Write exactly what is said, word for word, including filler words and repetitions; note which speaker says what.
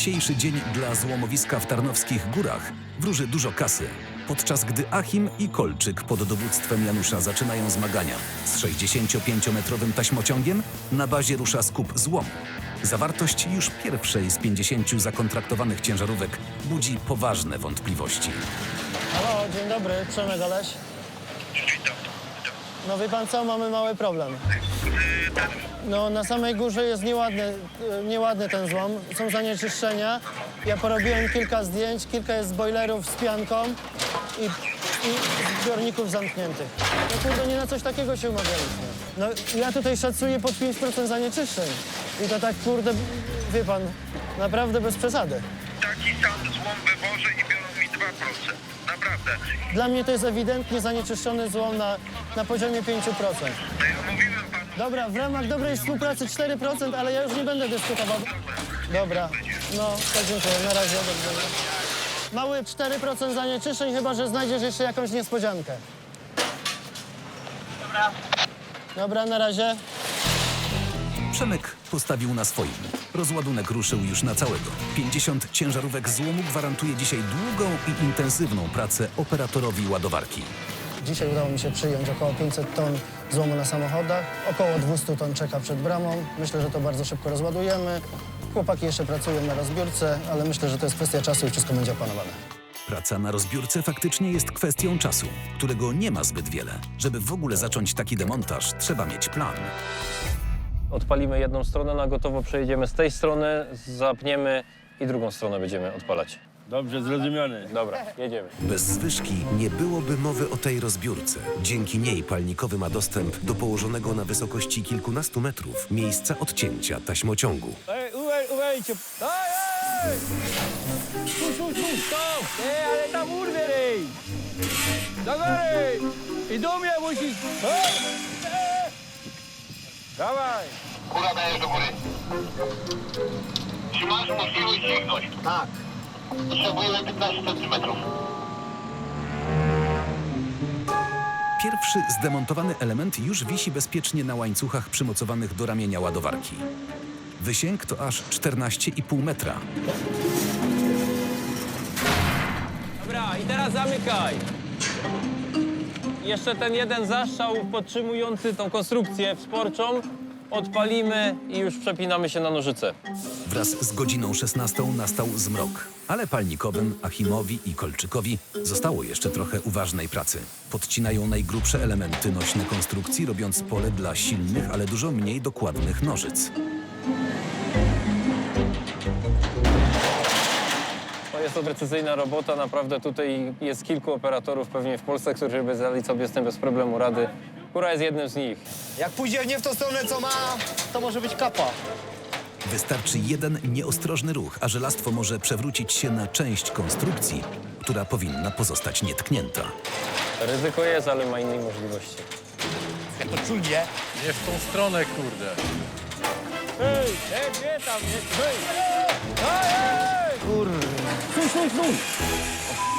Speaker 1: Dzisiejszy dzień dla złomowiska w Tarnowskich Górach wróży dużo kasy, podczas gdy Achim i Kolczyk pod dowództwem Janusza zaczynają zmagania. Z sześćdziesięciopięciometrowym taśmociągiem na bazie rusza skup złomu. Zawartość już pierwszej z pięćdziesięciu zakontraktowanych ciężarówek budzi poważne wątpliwości.
Speaker 2: Halo, dzień dobry, Przemek Oleś. No wie pan co, mamy mały problem. No na samej górze jest nieładny, nieładny ten złom, są zanieczyszczenia. Ja porobiłem kilka zdjęć, kilka jest boilerów z pianką i, i zbiorników zamkniętych. No kurde, nie na coś takiego się umawialiśmy. No ja tutaj szacuję pod pięć procent zanieczyszczeń. I to tak kurde, wie pan, naprawdę bez przesady.
Speaker 3: Taki sam złom wywożę i biorą mi dwa procent. Naprawdę.
Speaker 2: Dla mnie to jest ewidentnie zanieczyszczony złom na, na poziomie pięć procent.
Speaker 3: To ja mówiłem panu.
Speaker 2: Dobra, w ramach dobrej współpracy cztery procent, ale ja już nie będę dyskutował. Dobra, no to dziękuję, na razie, dobrze. Mały cztery procent zanieczyszczeń, chyba że znajdziesz jeszcze jakąś niespodziankę.
Speaker 3: Dobra.
Speaker 2: Dobra, na razie.
Speaker 1: Przemek postawił na swoim. Rozładunek ruszył już na całego. pięćdziesiąt ciężarówek złomu gwarantuje dzisiaj długą i intensywną pracę operatorowi ładowarki.
Speaker 2: Dzisiaj udało mi się przyjąć około pięćset ton złomu na samochodach. Około dwieście ton czeka przed bramą. Myślę, że to bardzo szybko rozładujemy. Chłopaki jeszcze pracują na rozbiórce, ale myślę, że to jest kwestia czasu i wszystko będzie opanowane.
Speaker 1: Praca na rozbiórce faktycznie jest kwestią czasu, którego nie ma zbyt wiele. Żeby w ogóle zacząć taki demontaż, trzeba mieć plan.
Speaker 4: Odpalimy jedną stronę, na gotowo przejedziemy z tej strony, zapniemy i drugą stronę będziemy odpalać.
Speaker 5: Dobrze, zrozumiane.
Speaker 4: Dobra, jedziemy.
Speaker 1: Bez zwyżki nie byłoby mowy o tej rozbiórce. Dzięki niej palnikowy ma dostęp do położonego na wysokości kilkunastu metrów miejsca odcięcia taśmociągu.
Speaker 5: Ej, uwaj, uwajcie. Ej, ej! Stój, stój, stój, stop! Ej, ale tam urwie, rej! Do góry! I do mnie musisz... Ej! Ej! Dawaj!
Speaker 3: Kura dajesz do góry. Czy masz możliwość sięgnąć? Tak. Potrzebujemy piętnaście centymetrów.
Speaker 1: Pierwszy zdemontowany element już wisi bezpiecznie na łańcuchach przymocowanych do ramienia ładowarki. Wysięg to aż czternaście i pół metra.
Speaker 4: Dobra, i teraz zamykaj. Jeszcze ten jeden zastrzał podtrzymujący tą konstrukcję wsporczą odpalimy i już przepinamy się na nożyce.
Speaker 1: Wraz z godziną szesnastą nastał zmrok, ale palnikowym, Achimowi i Kolczykowi zostało jeszcze trochę uważnej pracy. Podcinają najgrubsze elementy nośne konstrukcji, robiąc pole dla silnych, ale dużo mniej dokładnych nożyc.
Speaker 4: To jest to precyzyjna robota, naprawdę tutaj jest kilku operatorów pewnie w Polsce, którzy by zdali sobie z tym bez problemu rady. Kura jest jednym z nich.
Speaker 6: Jak pójdzie nie w tą stronę, co ma, to może być kapa.
Speaker 1: Wystarczy jeden nieostrożny ruch, a żelastwo może przewrócić się na część konstrukcji, która powinna pozostać nietknięta.
Speaker 4: Ryzyko jest, ale ma innej możliwości.
Speaker 6: Jak to czulnie.
Speaker 5: Nie w tą stronę, kurde.
Speaker 4: Hej, hej, nie tam, nie, hej!
Speaker 5: Ej, ej!
Speaker 2: Kurde.
Speaker 5: Stój, stój, stój!